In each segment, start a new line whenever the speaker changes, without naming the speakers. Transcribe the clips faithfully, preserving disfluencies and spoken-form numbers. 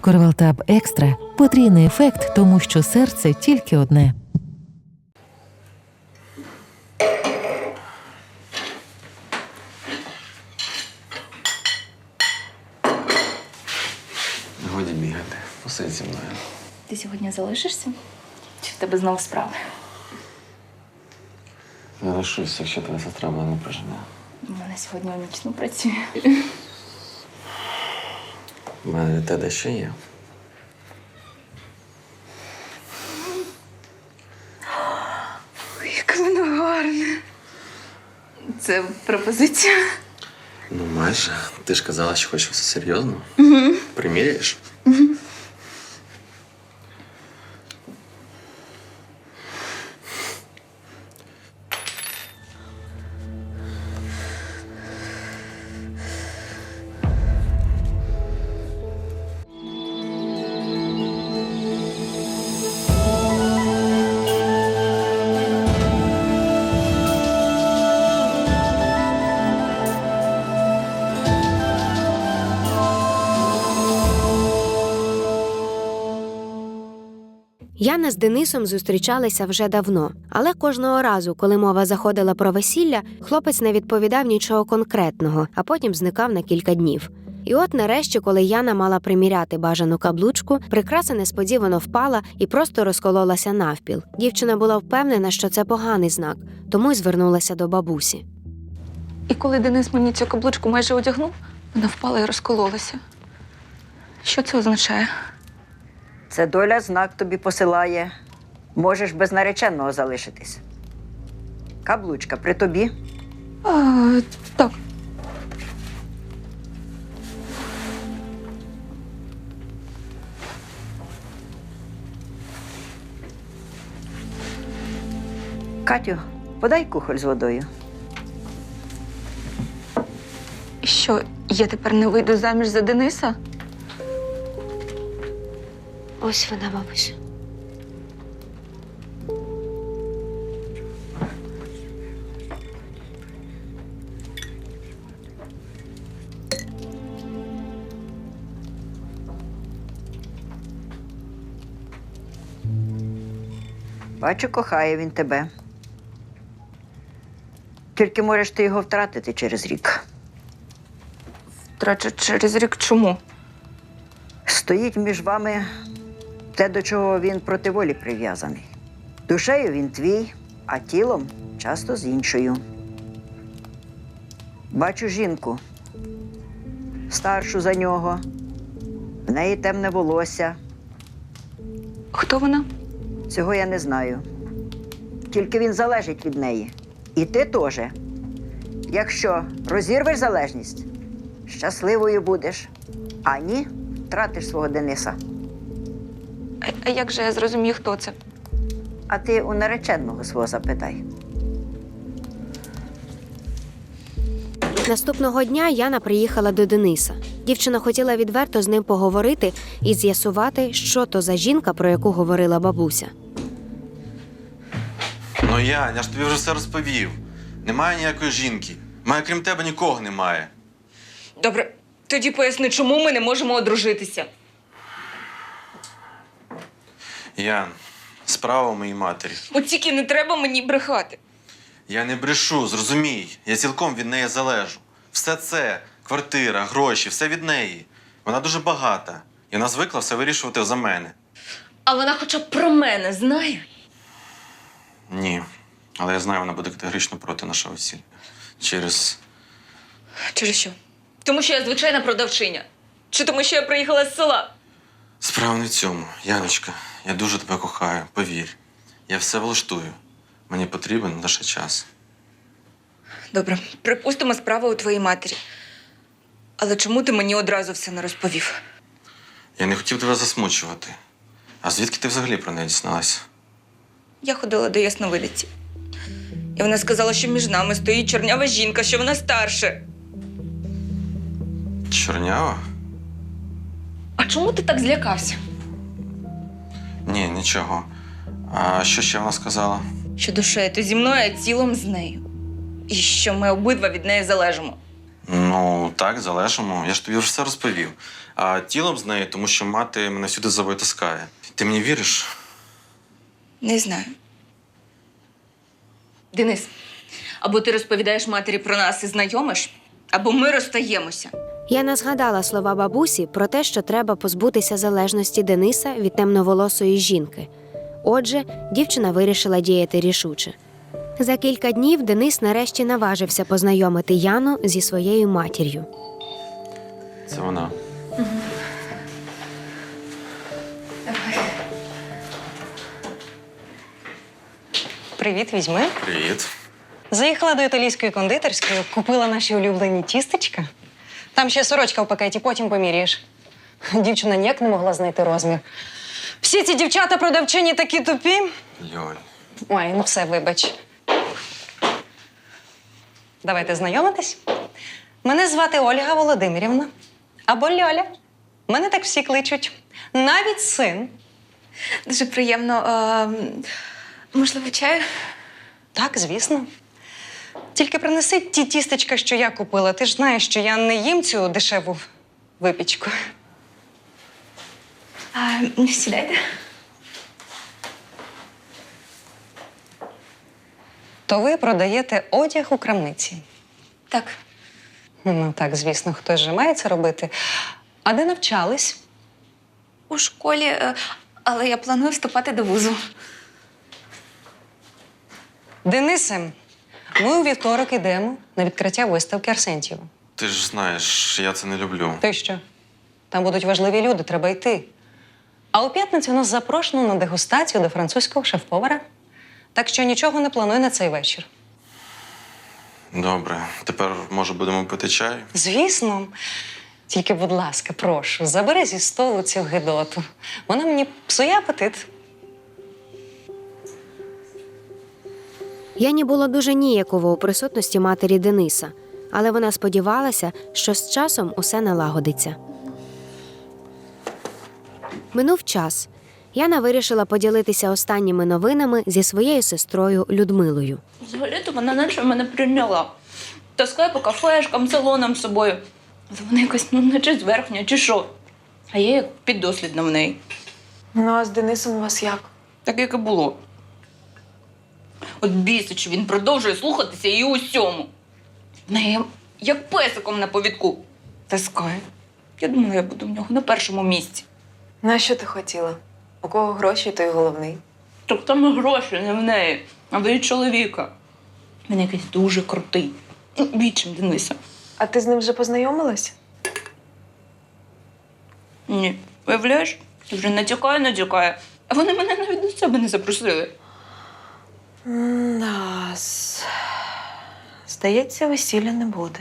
Корвалтаб Екстра – потрійний ефект, тому що серце тільки одне.
Годі бігати. Посидь зі мною.
Ти сьогодні залишишся? Чи в тебе знову справи?
Не лишусь, якщо твоя сестра мене не прожене.
У мене сьогодні у нічну працює.
У мене для тебе ще є.
Яке воно гарне. Це пропозиція?
Ну, майже. Ти ж казала, що хочеш все серйозно. Угу. Приміряєш? Угу.
Яна з Денисом зустрічалися вже давно, але кожного разу, коли мова заходила про весілля, хлопець не відповідав нічого конкретного, а потім зникав на кілька днів. І от нарешті, коли Яна мала приміряти бажану каблучку, прикраса несподівано впала і просто розкололася навпіл. Дівчина була впевнена, що це поганий знак, тому й звернулася до бабусі.
І коли Денис мені цю каблучку майже одягнув, вона впала і розкололася. Що це означає?
Це доля знак тобі посилає. Можеш без нареченого залишитись. Каблучка при тобі?
А, так.
Катю, подай кухоль з водою.
І що, я тепер не вийду заміж за Дениса?
Ось вона, бабусь.
Бачу, кохає він тебе. Тільки можеш ти його втратити через рік.
Втрачу через рік чому?
Стоїть між вами те, до чого він проти волі прив'язаний. Душею він твій, а тілом часто з іншою. Бачу жінку, старшу за нього, в неї темне волосся.
Хто вона?
Цього я не знаю. Тільки він залежить від неї. І ти теж. Якщо розірвеш залежність, щасливою будеш. А ні, втратиш свого Дениса.
А, а як же я зрозумію, хто це?
А ти у нареченого свого запитай.
Наступного дня Яна приїхала до Дениса. Дівчина хотіла відверто з ним поговорити і з'ясувати, що то за жінка, про яку говорила бабуся.
Ну, Янь, я ж тобі вже все розповів. Немає ніякої жінки. Має, крім тебе, нікого немає.
Добре, тоді поясни, чому ми не можемо одружитися?
Ян, справа у моїй матері.
От тільки не треба мені брехати.
Я не брешу, зрозумій. Я цілком від неї залежу. Все це, квартира, гроші, все від неї. Вона дуже багата. І вона звикла все вирішувати за мене.
А вона хоча б про мене знає?
Ні. Але я знаю, вона буде категорично проти нашого весілля. Через...
Через що? Тому що я звичайна продавчиня. Чи тому, що я приїхала з села?
Справа не в цьому. Яночка, я дуже тебе кохаю, повір. Я все влаштую. Мені потрібен лише час.
Добре, припустимо, справа у твоїй матері. Але чому ти мені одразу все не розповів?
Я не хотів тебе засмучувати. А звідки ти взагалі про неї дізналася?
Я ходила до ясновидиці. І вона сказала, що між нами стоїть чорнява жінка, що вона старша.
Чорнява?
А чому ти так злякався?
Ні, нічого. А що ще вона сказала?
Що душею ти зі мною, а тілом з нею. І що ми обидва від неї залежимо.
Ну, так, залежимо. Я ж тобі вже все розповів. А тілом з нею, тому що мати мене сюди за собою таскає. Ти мені віриш?
Не знаю. Денис, або ти розповідаєш матері про нас і знайомиш, або ми розстаємося.
Яна згадала слова бабусі про те, що треба позбутися залежності Дениса від темноволосої жінки. Отже, дівчина вирішила діяти рішуче. За кілька днів Денис нарешті наважився познайомити Яну зі своєю матір'ю.
Це вона.
Привіт, візьми.
Привіт.
Заїхала до італійської кондитерської, купила наші улюблені тістечка. Там ще сорочка в пакеті, потім поміряєш. Дівчина ніяк не могла знайти розмір. Всі ці дівчата-продавчині такі тупі.
Льоль.
Ой, ну все, вибач. Давайте знайомитись. Мене звати Ольга Володимирівна. Або Льоля. Мене так всі кличуть. Навіть син.
Дуже приємно. А, можливо, чаю?
Так, звісно. Тільки принеси ті тістечка, що я купила. Ти ж знаєш, що я не їм цю дешеву випічку.
А, сідайте.
То ви продаєте одяг у крамниці?
Так.
Ну так, звісно, хтось же має це робити. А де навчались?
У школі, е, але я планую вступати до вузу.
Денисе, ми у вівторок ідемо на відкриття виставки Арсентьєва.
Ти ж знаєш, я це не люблю.
Ти що? Там будуть важливі люди, треба йти. А у п'ятницю нас запрошено на дегустацію до французького шеф-повара. Так що нічого не плануй на цей вечір.
Добре. Тепер, може, будемо пити чай?
Звісно. Тільки, будь ласка, прошу, забери зі столу цю гидоту. Вона мені псує апетит.
Яні було дуже ніяково у присутності матері Дениса, але вона сподівалася, що з часом усе налагодиться. Минув час. Яна вирішила поділитися останніми новинами зі своєю сестрою Людмилою.
Взагалі-то вона наче мене прийняла. Таскає по кафешкам, салонам з собою. Але вона якась, ну, наче зверхня, чи що. А я як піддослідна в неї.
Ну, а з Денисом у вас як?
Так, як і було. От бісить, що він продовжує слухатися і усьому. В неї як песиком на повідку таскає. Я думала, я буду в нього на першому місці.
На що ти хотіла? У кого гроші, той головний.
Так там і гроші не в неї, а в її чоловіка. Він якийсь дуже крутий. Ну, Вічим Дениса.
А ти з ним вже познайомилась?
Ні. Виявляєш? Вже натякає, натякає. А вони мене навіть до себе не запросили.
Нас. Здається, весілля не буде.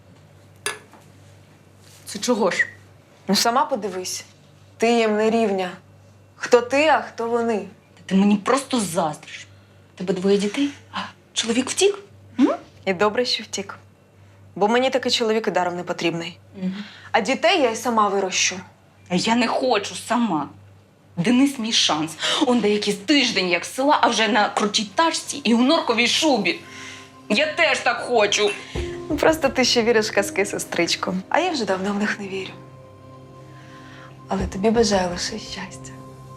Це чого ж?
Ну, сама подивись. Ти їм не рівня. Хто ти, а хто вони?
Ти мені просто заздриш. Тебе двоє дітей, а чоловік втік?
І добре, що втік. Бо мені такий чоловік і даром не потрібний. А дітей я й сама вирощу.
А я не хочу сама. Денис мій шанс. Он деякий тиждень як з села, а вже на крутій тачці і у норковій шубі. Я теж так хочу.
Ну, просто ти ще віриш в казки, сестричко. А я вже давно в них не вірю. Але тобі бажаю лише щастя.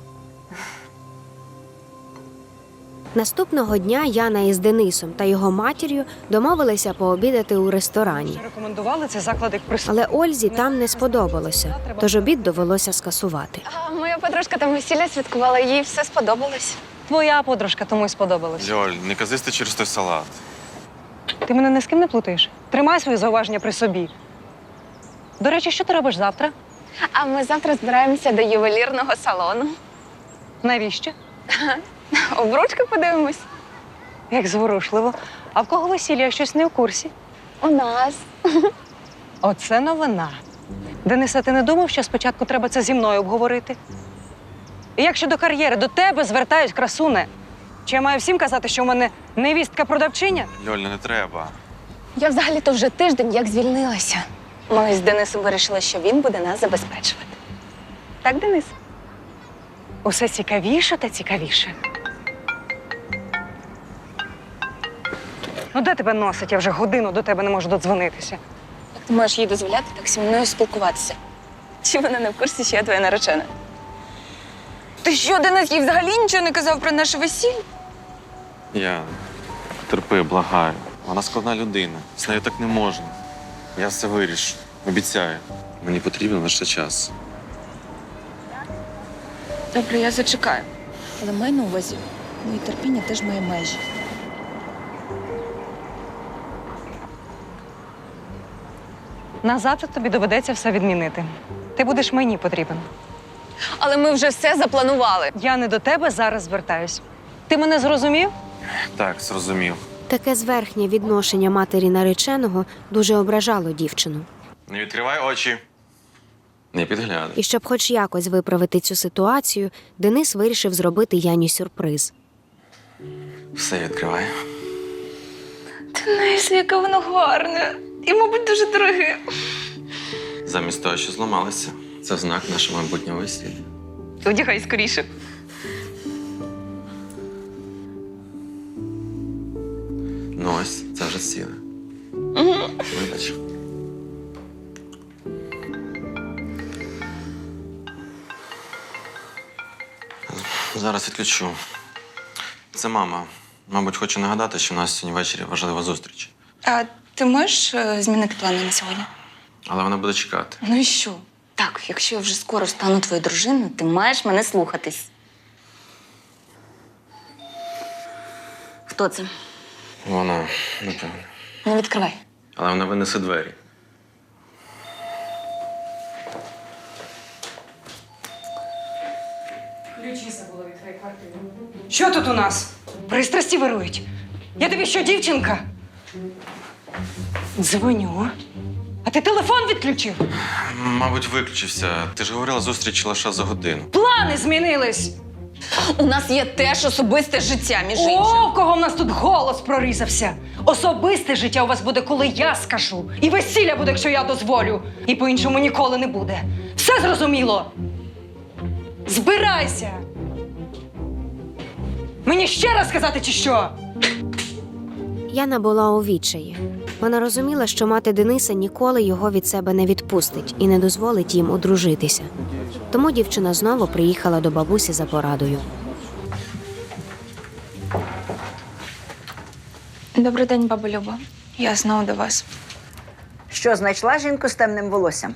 Наступного дня Яна із Денисом та його матір'ю домовилися пообідати у ресторані.
Рекомендували цей заклад як присутній.
Але Ользі там не сподобалося, тож обід довелося скасувати.
А моя подружка там весілля святкувала, їй все сподобалось.
Твоя подружка тому й сподобалась.
Льоль, не казисти через той салат.
Ти мене ні з ким не плутаєш? Тримай свої зауваження при собі. До речі, що ти робиш завтра?
А ми завтра збираємося до ювелірного салону.
Навіщо?
Обручки подивимось.
Як зворушливо. А в кого весілля, я щось не у курсі?
У нас.
Оце новина. Дениса, ти не думав, що спочатку треба це зі мною обговорити? І як щодо кар'єри, до тебе звертають, красуне. Чи я маю всім казати, що в мене невістка-продавчиня?
Льоль, не треба.
Я взагалі-то вже тиждень як звільнилася. Ми з Денисом вирішили, що він буде нас забезпечувати. Так, Денис?
Усе цікавіше та цікавіше. Ну, де тебе носить? Я вже годину до тебе не можу додзвонитися.
Так Ти можеш їй дозволяти так зі мною спілкуватися. Чи вона не в курсі, що я твоя наречена?
Ти що, Денис, їй взагалі нічого не казав про наше весілля?
Я терпи, благаю. Вона складна людина. З нею так не можна. Я все вирішу. Обіцяю. Мені потрібен лише час.
Добре, я зачекаю. Але май на увазі, моє терпіння теж має межі.
Назад тобі доведеться все відмінити. Ти будеш мені потрібен.
Але ми вже все запланували.
Я не до тебе зараз звертаюсь. Ти мене зрозумів?
Так, зрозумів.
Таке зверхнє відношення матері нареченого дуже ображало дівчину.
Не відкривай очі. Не підглядай.
І щоб хоч якось виправити цю ситуацію, Денис вирішив зробити Яні сюрприз.
Все відкривай.
Денис, яке воно гарне. І, мабуть, дуже дороге.
Замість того, що зламалися. Це знак нашого майбутнього весілля.
Одягай скоріше.
Ну ось, це вже сіле. Вибач. Зараз відключу. Це мама. Мабуть, хоче нагадати, що у нас сьогодні ввечері важлива зустріч.
А ти можеш е, змінити плани на сьогодні?
Але вона буде чекати.
Ну і що? Так, якщо я вже скоро стану твоєю дружиною, ти маєш мене слухатись. Хто це?
Вона, напевно.
Не відкривай.
Але вона винесе двері.
Що тут у нас? Пристрасті вирують. Я тобі що, дівчинка? Дзвоню. А ти телефон відключив?
Мабуть, виключився. Ти ж говорила, зустріч лише за годину.
Плани змінились.
У нас є теж особисте життя, між іншим.
О, в кого в нас тут голос прорізався. Особисте життя у вас буде, коли я скажу. І весілля буде, якщо я дозволю. І по-іншому ніколи не буде. Все зрозуміло? Збирайся! Мені ще раз сказати, чи що?
Яна була у відчаї. Вона розуміла, що мати Дениса ніколи його від себе не відпустить і не дозволить їм одружитися. Тому дівчина знову приїхала до бабусі за порадою.
Добрий день, баба Люба. Я знову до вас.
Що, знайшла жінку з темним волоссям?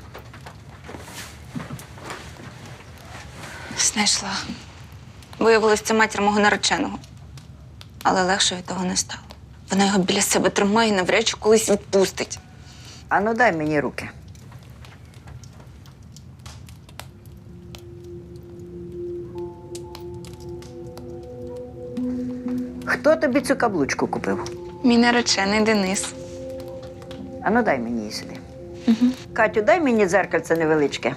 Знайшла. Виявилось, це матір мого нареченого. Але легше від того не стало. Вона його біля себе тримає і навряд чи колись відпустить.
Ану, дай мені руки. Хто тобі цю каблучку купив?
Мій наречений Денис.
Ану, дай мені її сюди. Угу. Катю, дай мені дзеркальце невеличке.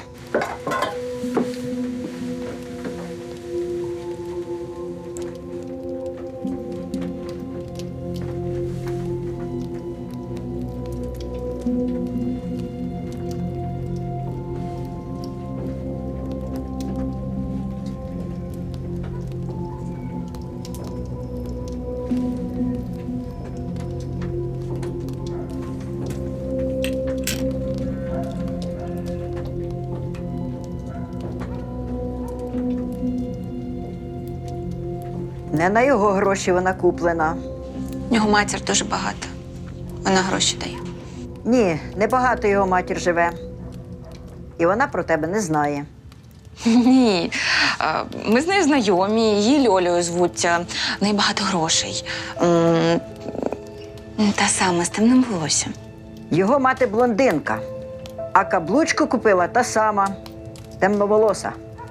Не на його гроші вона куплена.
В нього матір дуже багата. Вона гроші дає.
Ні, небагато його матір живе. І вона про тебе не знає.
Ні. А, Ми з нею знайомі, її Льолею звуться. В неї багато грошей. М, Та саме з темним волоссям.
Його мати блондинка, а каблучку купила та сама, темноволоса.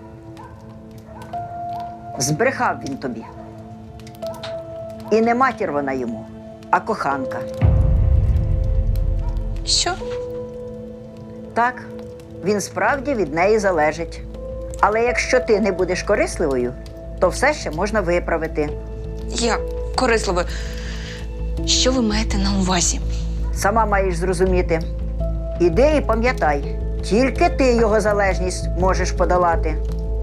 Збрехав він тобі. І не матір вона йому, а коханка.
Що?
Так, він справді від неї залежить. Але якщо ти не будеш корисливою, то все ще можна виправити.
Як корисливо. Що ви маєте на увазі?
Сама маєш зрозуміти. Іди і пам'ятай, тільки ти його залежність можеш подолати.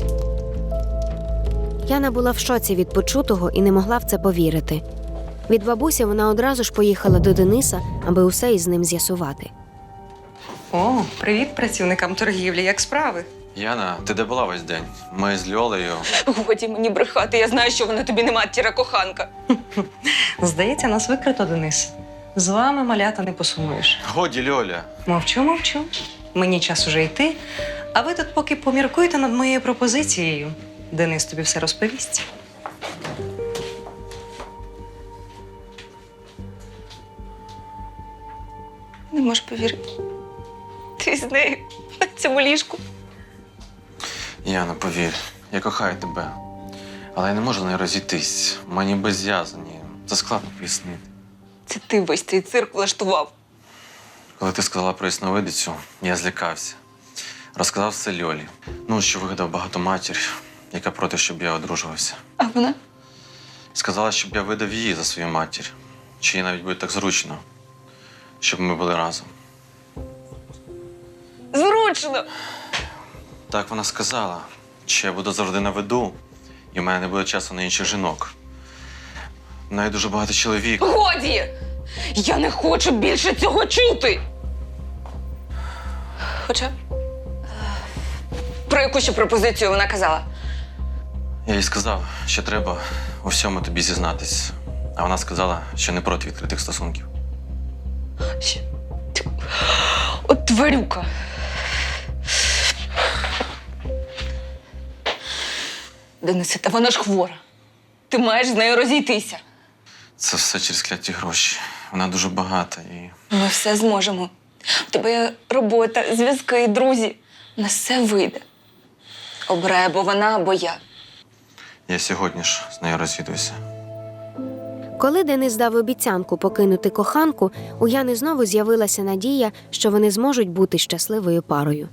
Яна була в шоці від почутого і не могла в це повірити. Від бабусі вона одразу ж поїхала до Дениса, аби усе із ним з'ясувати.
О, привіт працівникам торгівлі. Як справи?
Яна, ти де була весь день? Ми з Льолею.
Годі мені брехати, я знаю, що вона тобі не матіра коханка.
Здається, нас викрито, Денис. З вами, малята, не посумуєш.
Годі, Льоля.
Мовчу, мовчу. Мені час уже йти. А ви тут поки поміркуйте над моєю пропозицією. Денис тобі все розповість.
Не можу повірити. Ти з нею на цьому ліжку.
Яна, повір, я кохаю тебе. Але я не можу не розійтись. Мені безв'язані. Це складно пояснити.
Це ти весь цей цирк влаштував.
Коли ти сказала про ясновидицю, я злякався. Розказав все Льолі. Ну, що вигадав багатоматір, яка проти, щоб я одружувався.
А вона?
Сказала, щоб я видав її за свою матір. Чи їй навіть буде так зручно, щоб ми були разом.
Зручно!
Так вона сказала, що я буду завжди на виду, і в мене не буде часу на інших жінок. В неї дуже багато чоловік.
Годі! Я не хочу більше цього чути! Хоча, е, про яку ще пропозицію вона казала?
Я їй сказав, що треба у всьому тобі зізнатись. А вона сказала, що не проти відкритих стосунків.
Ще. От тварюка. Денисе, та вона ж хвора. Ти маєш з нею розійтися.
Це все через кляті гроші. Вона дуже багата і.
Ми все зможемо. У тебе є робота, зв'язки, друзі. У нас все вийде. Обирай або вона, або я.
Я сьогодні ж з нею розвідуюся.
Коли Денис дав обіцянку покинути коханку, у Яни знову з'явилася надія, що вони зможуть бути щасливою парою.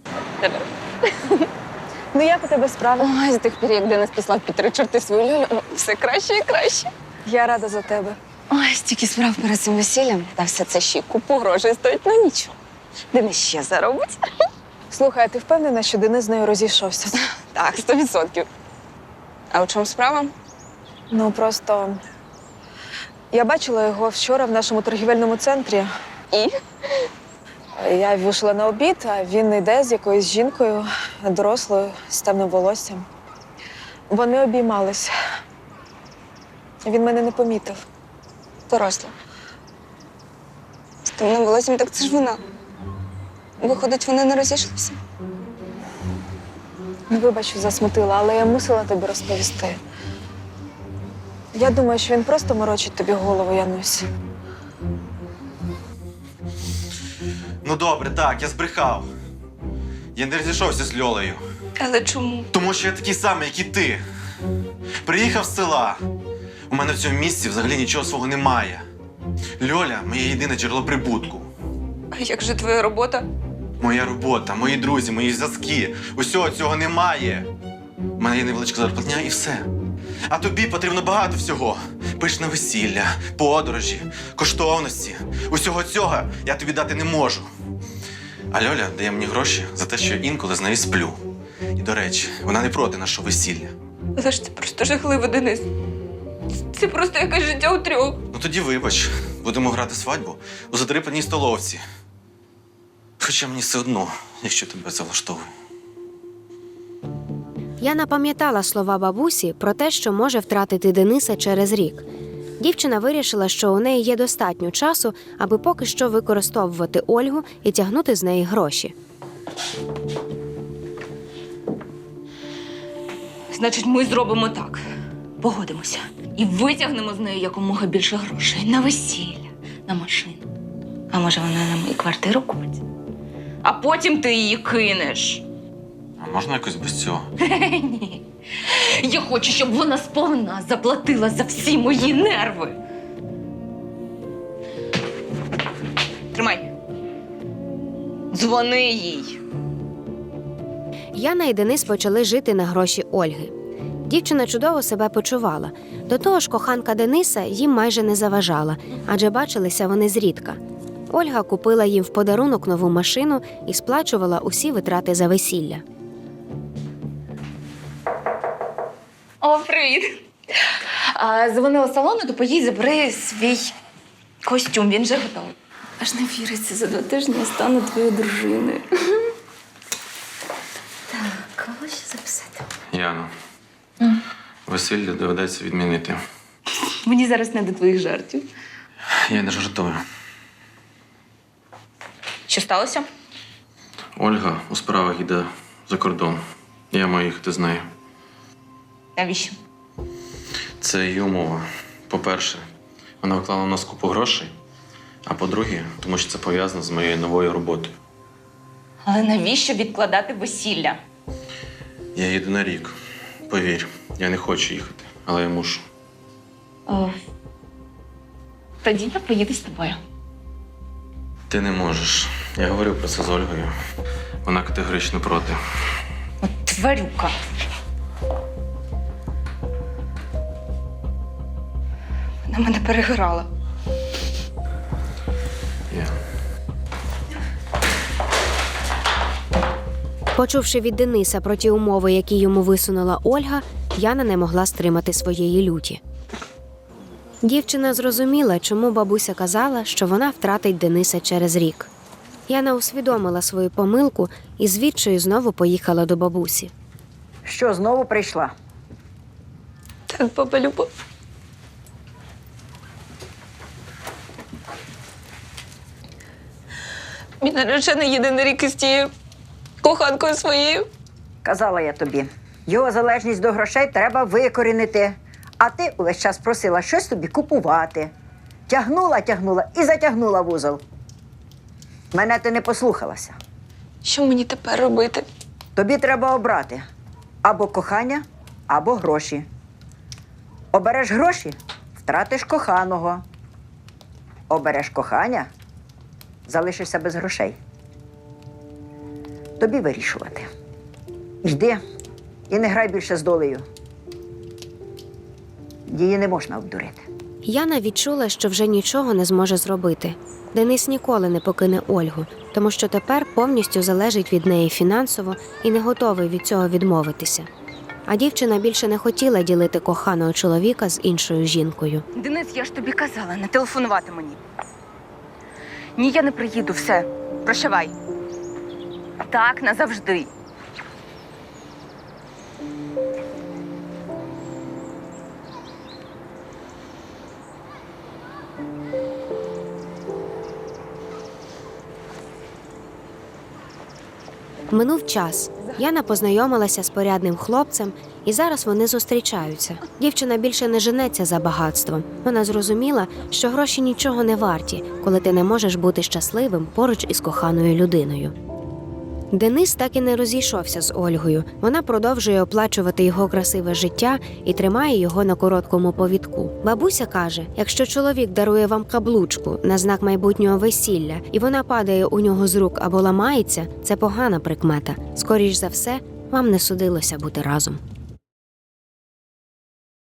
Ну як у тебе справа? Ой, з тих пір, як Денис послав під три чорти свою Льолю, о, все краще і краще.
Я рада за тебе.
Ой, стільки справ перед цим весіллям. Та все це ще й купу грошей стоїть, ну нічого. Денис ще заробить.
Слухай, а ти впевнена, що Денис з нею розійшовся?
Так, сто відсотків. А у чому справа?
Ну, просто я бачила його вчора в нашому торгівельному центрі.
І?
Я вийшла на обід, а він йде з якоюсь жінкою, дорослою, з темним волоссям. Вони обіймались. Він мене не помітив.
Доросла. З темним волоссям, так це ж вона. Виходить, вони не розійшлися?
Вибач, що засмутила, але я мусила тобі розповісти. Я думаю, що він просто морочить тобі голову, Янусь.
Ну добре, так, я збрехав. Я не розійшовся з Льолею.
Але чому?
Тому що я такий самий, як і ти. Приїхав з села. У мене в цьому місці взагалі нічого свого немає. Льоля – моє єдине джерело прибутку.
А як же твоя робота?
Моя робота, мої друзі, мої зв'язки. Усього цього немає. У мене є невеличка зарплатня і все. А тобі потрібно багато всього. Пишне весілля, подорожі, коштовності. Усього цього я тобі дати не можу. А Льоля дає мені гроші за те, що я інколи з нею сплю. І, до речі, вона не проти нашого весілля.
Але ж це просто жахливо, Денис. Це просто якесь життя у трьох.
Ну тоді вибач, будемо грати свадьбу у задрипаній столовці. Хоча мені все одно, якщо тебе це влаштовує.
Яна пам'ятала слова бабусі про те, що може втратити Дениса через рік. Дівчина вирішила, що у неї є достатньо часу, аби поки що використовувати Ольгу і тягнути з неї гроші.
Значить, ми зробимо так. Погодимося. І витягнемо з неї якомога більше грошей. На весілля, на машину. А може, вона нам і квартиру купить? А потім ти її кинеш.
А можна якось без цього?
Ні. Я хочу, щоб вона сповна заплатила за всі мої нерви. Тримай. Дзвони їй.
Яна і Денис почали жити на гроші Ольги. Дівчина чудово себе почувала. До того ж, коханка Дениса їм майже не заважала, адже бачилися вони зрідка. Ольга купила їм в подарунок нову машину і сплачувала усі витрати за весілля.
О, привіт. А, дзвонила з салону, то поїдь, забери свій костюм, він вже готовий. Аж не віриться, за два тижні я стану твоєю дружиною. Так, кого ще записати?
Яно, весілля доведеться відмінити.
Мені зараз не до твоїх жартів.
Я не жартую.
Що сталося?
Ольга у справах йде за кордон. Я маю їхати з нею.
Навіщо?
Це її умова. По-перше, вона вклала в нас купу грошей. А по-друге, тому що це пов'язано з моєю новою роботою.
Але навіщо відкладати весілля?
Я їду на рік. Повір, я не хочу їхати, але я мушу.
О, тоді я поїду з тобою.
Ти не можеш. Я говорив про це з Ольгою. Вона категорично проти.
От тварюка. Вона мене переграла.
Я.
Почувши від Дениса про ті умови, які йому висунула Ольга, Яна не могла стримати своєї люті. Дівчина зрозуміла, чому бабуся казала, що вона втратить Дениса через рік. Яна усвідомила свою помилку і з відчаю знову поїхала до бабусі.
Що, знову прийшла?
Так, баба Люба. Мій наречений їде на рік із тією коханкою своєю.
Казала я тобі, його залежність до грошей треба викорінити. А ти увесь час просила щось собі купувати. Тягнула, тягнула і затягнула вузол. Мене ти не послухалася.
Що мені тепер робити?
Тобі треба обрати або кохання, або гроші. Обереш гроші – втратиш коханого. Обереш кохання – залишишся без грошей. Тобі вирішувати. Йди і не грай більше з долею. Її не можна обдурити.
Яна відчула, що вже нічого не зможе зробити. Денис ніколи не покине Ольгу, тому що тепер повністю залежить від неї фінансово і не готовий від цього відмовитися. А дівчина більше не хотіла ділити коханого чоловіка з іншою жінкою.
Денис, я ж тобі казала, не телефонувати мені. Ні, я не приїду, все. Прощавай. Так, назавжди.
Минув час. Яна познайомилася з порядним хлопцем, і зараз вони зустрічаються. Дівчина більше не женеться за багатством. Вона зрозуміла, що гроші нічого не варті, коли ти не можеш бути щасливим поруч із коханою людиною. Денис так і не розійшовся з Ольгою. Вона продовжує оплачувати його красиве життя і тримає його на короткому повідку. Бабуся каже, якщо чоловік дарує вам каблучку на знак майбутнього весілля, і вона падає у нього з рук або ламається, це погана прикмета. Скоріш за все, вам не судилося бути разом.